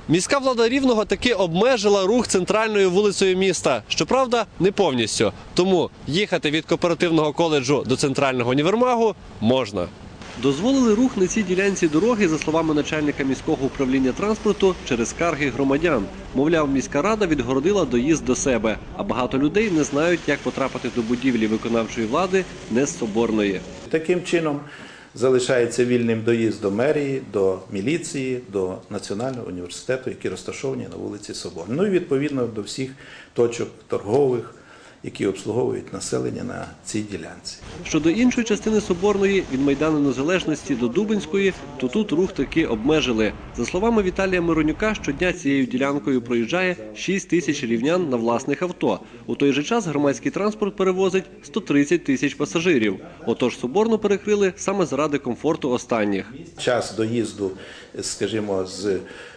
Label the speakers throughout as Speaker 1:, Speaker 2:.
Speaker 1: Міська влада Рівного таки обмежила рух центральною вулицею міста. Щоправда, не повністю. Тому їхати від кооперативного коледжу до центрального універмагу можна. Дозволили рух на цій ділянці дороги, за словами начальника міського управління транспорту, через скарги громадян. Мовляв, міська рада відгородила доїзд до себе, а багато людей не знають, як потрапити до будівлі виконавчої влади не з Соборної.
Speaker 2: Таким чином залишається вільним доїзд до мерії, до міліції, до Національного університету, які розташовані на вулиці Соборної. Ну і відповідно до всіх точок торгових, які обслуговують населення на цій ділянці.
Speaker 1: Щодо іншої частини Соборної, від Майдану Незалежності до Дубенської, то тут рух таки обмежили. За словами Віталія Миронюка, щодня цією ділянкою проїжджає 6 тисяч рівнян на власних авто. У той же час громадський транспорт перевозить 130 тисяч пасажирів. Отож Соборну перекрили саме заради комфорту останніх.
Speaker 2: Час доїзду, скажімо, з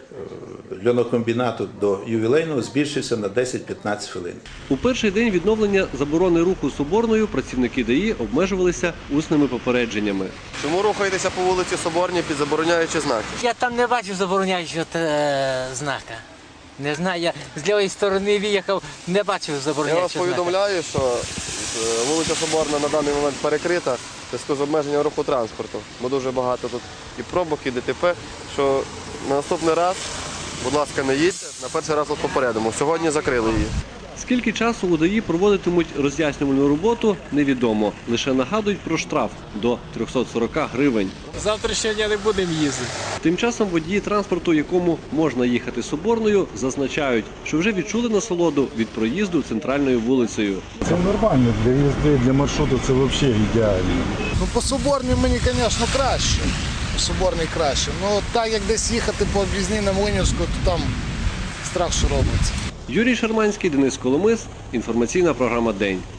Speaker 2: льонокомбінату до ювілейного збільшився на 10-15 хвилин.
Speaker 1: У перший день відновлення заборони руху Соборною працівники ДАІ обмежувалися усними попередженнями.
Speaker 3: Чому рухаєтеся по вулиці Соборній під забороняючі знаки?
Speaker 4: Я там не бачив забороняючого знака. Не знаю, я з лівої сторони виїхав, не бачив
Speaker 3: Я
Speaker 4: забороняючого
Speaker 3: вас
Speaker 4: знака.
Speaker 3: повідомляю, що вулиця Соборна на даний момент перекрита в зв'язку з обмеженням руху транспорту. Бо дуже багато тут і пробок, і ДТП, що на наступний раз, будь ласка, не їдьте, на перший раз вас попередимо. Сьогодні закрили її.
Speaker 1: Скільки часу у ДАІ проводитимуть роз'яснювальну роботу, невідомо. Лише нагадують про штраф до 340 гривень.
Speaker 5: Завтрашнього дня не будемо їздити.
Speaker 1: Тим часом водії транспорту, якому можна їхати Соборною, зазначають, що вже відчули насолоду від проїзду центральною вулицею.
Speaker 6: Це нормально, для їзди, для маршруту це взагалі ідеально.
Speaker 7: Ну, по Соборній мені, звісно, краще. По Соборній краще. Ну, так як десь їхати по об'їзній на Млинівську, то там страх, що робиться.
Speaker 1: Юрій Шарманський, Денис Коломис. Інформаційна програма «День».